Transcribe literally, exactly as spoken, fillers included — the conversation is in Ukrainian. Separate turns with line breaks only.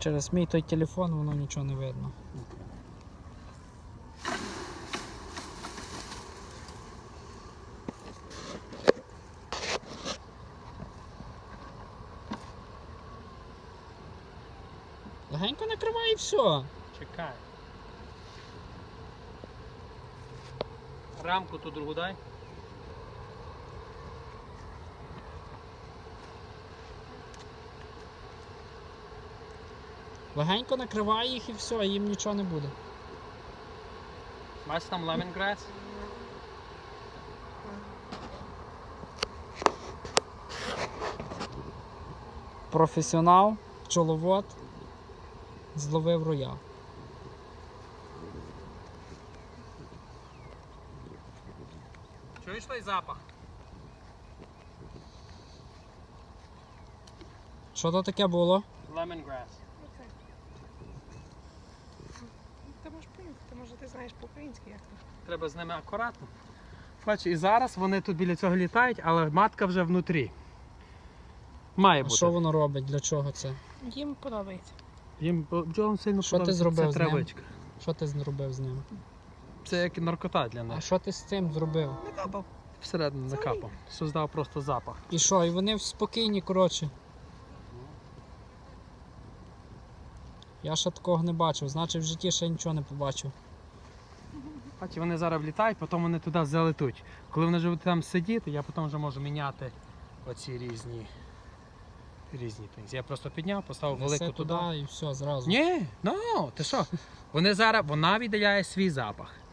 Через мій той телефон воно нічого не видно. Легенько накривай і все.
Чекай. Рамку ту другу дай.
Легенько накривай їх і все, їм нічого не буде.
Бачиш там лемонграс?
Професіонал, пчеловод, зловив роя.
Чуєш той запах?
Що то таке було?
Лемонграс.
Ти можеш поїхати, може ти знаєш по-українськи як то.
Треба з ними акуратно. Бач, і зараз вони тут біля цього літають, але матка вже внутрі. Має
А
бути.
що воно робить? Для чого це?
Їм подобається.
Їм бджолам сильно
Що ти
подобається.
зробив
Це
з ним?
травичка.
Що ти зробив з ним?
Це як наркота для
А
них.
що ти з цим зробив?
Накапав.
Всередину
Це
накапав. Создав просто запах.
І що? І вони спокійні, коротше. Я ще такого не бачив, значить в житті ще нічого не побачив.
Бачиш, вони зараз влітають, потім вони туди залетуть. Коли вони вже будуть там сидіти, я потім вже можу міняти оці різні різні things. Я просто підняв, поставив
Неси
велику туди.
туди і все, зразу.
Ні, ну, ти що? Вони зараз, вона віддаляє свій запах.